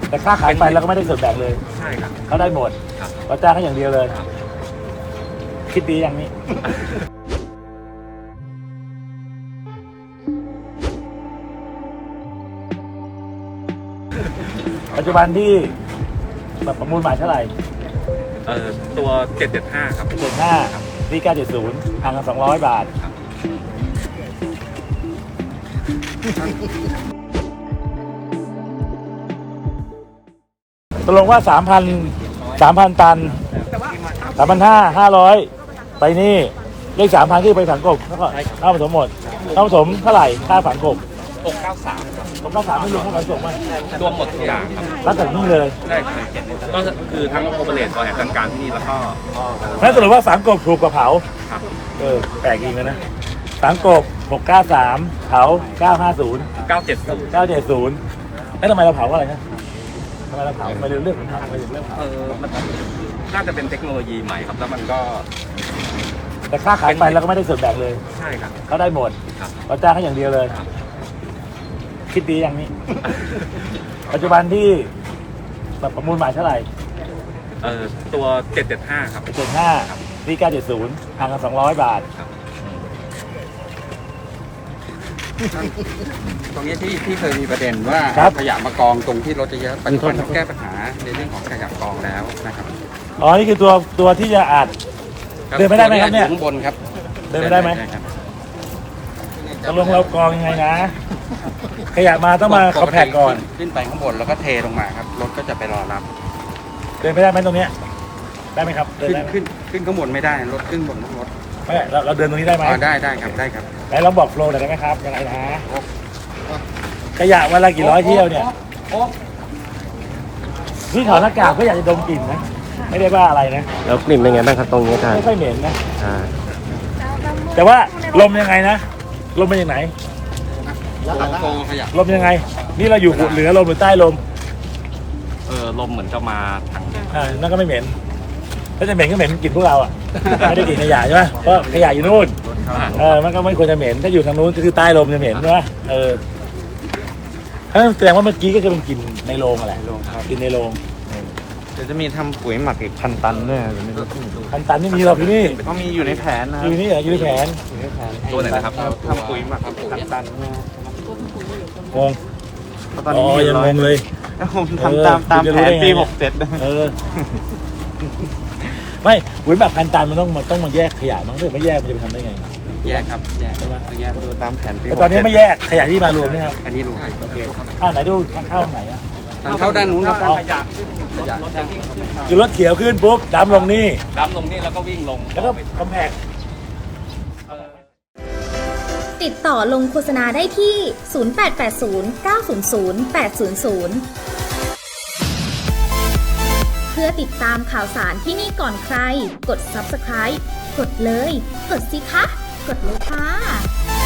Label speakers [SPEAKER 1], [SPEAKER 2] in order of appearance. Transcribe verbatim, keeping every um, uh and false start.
[SPEAKER 1] แต่ค่าขายไปแล้วก็ไม่ได้ส่วนแบ่งเลย
[SPEAKER 2] ใช่ครับ
[SPEAKER 1] เขาได้หมดเราจ้างเขาอย่างเดียวเลยคิดดีอย่างนี้ ปัจจุบันที่ประมูลหมายเท่าไหร่
[SPEAKER 2] เอ่อตัวเจ็ดเจ็ดห้าครับ
[SPEAKER 1] เจ็ดห้านี่เก้าเจ็ดศูนย์ห่างกันสองร้อยบาทตกลงว่าสามพันสามพันตันสามพันห้าห้าร้อยไปนี่เลขสามพันที่ไปฝังกบแล้วก็ค่าผสมหมดค่าผสมเท่าไหร่ค่าฝังกบ
[SPEAKER 2] หกเก้าสาม
[SPEAKER 1] หกเก้าสามไม่รวมค่าขนส่งมั้ย
[SPEAKER 2] รวมหมดทุกอย่างครับ
[SPEAKER 1] รับจากนี่เลย
[SPEAKER 2] ได้ครับก็คือทั้งโอเปอเรตบริหารจัดการที่นี่แล้วก็
[SPEAKER 1] นั่นสรุปว่าฝังกบถูกกว่าเผาเออแปลกจริงนะฝังกบหกเก้าสามเผาเก้าห้าศูนย์
[SPEAKER 2] เก้าเจ็ดศูนย์
[SPEAKER 1] เก้าเจ็ดศูนย์แล้วทำไมเราเผาอะไรนะทำไมเราเผาไม่เรื่องเรื่องของทำไมเรื่องเผา
[SPEAKER 2] เออมันน่าจะเป็นเทคโนโลยีใหม่ครับแล้วมันก็
[SPEAKER 1] แต่ค่าขายไปแล้วก็ไม่ได้ส่วนแบ่งเลย
[SPEAKER 2] ใช่ครับ
[SPEAKER 1] เขาได้หมดเราจ้างเขาอย่างเดียวเลยคิดดีอย่างนี้ ปัจจุบันที่ประมูลหมายเท่าไหร่
[SPEAKER 2] เอ่อตัวเจ็ดเจ็ดห้าครับ
[SPEAKER 1] เจ็ดห้านี่เก้าเจ็ดศูนย์ห่างกันสองร้อยบาท
[SPEAKER 3] ตรงนี้ที่ที่เคยมีประเด็นว่าขยะมากองตรงที่รถจะเยอะปัจจุบันแก้ปัญหาในเรื่องของขยะกองแล้วนะครับ
[SPEAKER 1] อ๋อนี่คือตัวตัวที่จะอัดเดินไม่ได้ไหมครับเนี่ย
[SPEAKER 3] ข้างบนครับ
[SPEAKER 1] เดินไม่ได้ไหมตกลงเรากองยังไงนะขยะมาต้องมาคอมแพคก่อน
[SPEAKER 3] ขึ้นไปข้างบนแล้วก็เทลงมาครับรถก็จะไปรอรับ
[SPEAKER 1] เดินไม่ได้ไหมตรงนี้ได้ไหมครับเดิน
[SPEAKER 3] ขึ้นขึ้นข้างบนไม่ได้รถขึ้นบนต้องรถ
[SPEAKER 1] ไม่เราเราเดินตรงนี้ได้ไหม
[SPEAKER 3] อ๋อได้ได้ครับได้ครับ
[SPEAKER 1] ไหนลองบอกโฟล์หน่อยได้ไหมครับยังไงนะขยะวันละกี่ร้อยเที่ยวเนี่ยนี่ถอดหน้ากากก็อยากจะดมกลิ่นนะไม่ได้ว่าอะไรนะ
[SPEAKER 4] แล้วกลิ่นเป็นไงบ้างครับตรงนี้ท่าน
[SPEAKER 1] ไม่ค่อยเหม็นนะแต่ว่าลมยังไงนะลมเป็นยังไงลมยังไงนี่เราอยู่เหนือลมหรือใต้ลม
[SPEAKER 2] เออลมเหมือนจะมาทาง
[SPEAKER 1] อ่านั่นก็ไม่เหม็นถ้าจะเหม็นก็เหม็นกลิ่นพวกเราอ่ะไม่ได้กลิ่นขยะใช่ไหมเพราะขยะอยู่นู่นเออมันก็ไม่ควรจะเหม็นถ้าอยู่ทางนู้นก็คือใต้ลมจะเหม็นใช่ไหมเออแสดงว่าเมื่อกี้ก็จะเป็นกลิ่นในโรงอะไรกลิ่นในโรง
[SPEAKER 4] เดี๋ยวจะมีทำปุ๋ยหมักอีกพันตันด้วย
[SPEAKER 1] พันตันนี่มีเราที่นี่
[SPEAKER 4] เขามีอยู่ในแผนนะ
[SPEAKER 1] อยู่นี่เหรออยู่ในแผน
[SPEAKER 2] ตัวไหนนะครับ
[SPEAKER 4] ทำปุ๋ยหมักพันตัน
[SPEAKER 1] งง
[SPEAKER 4] ตอนนี้
[SPEAKER 1] ยังงงเลย
[SPEAKER 4] ผมทำตามตามแผนปีหกเจ็ด
[SPEAKER 1] เออไม่ปุ๋ยหมักพันตันมันต้องมันต้องมาแยกขยะมั้งถ้าไม่แยกมันจะไปทำได้ไง
[SPEAKER 3] แยกครับแยกใช่ไหมแยก
[SPEAKER 4] ดูตามแผนปี
[SPEAKER 1] แต่ตอนนี้ไม่แยกขยะที่มารวมนี่ครับ
[SPEAKER 3] อันนี้รู้
[SPEAKER 1] โอเคอ่าไหนดูทางเข้าไหนอ่ะ
[SPEAKER 3] ทางเข้าด้านนู้นครับ
[SPEAKER 1] คือรถเขียวขึ้นปุ๊บดำลงนี่
[SPEAKER 2] ดำลงนี่แล้วก็วิ่งลง
[SPEAKER 1] แล้วก็คอมแพค
[SPEAKER 5] ติดต่อลงโฆษณาได้ที่ ศูนย์ แปด แปด ศูนย์ เก้า ศูนย์ ศูนย์ แปด ศูนย์ ศูนย์ เพื่อติดตามข่าวสารที่นี่ก่อนใคร กด ซับสไครบ์ กดเลย กดสิคะ กดเลยค่ะ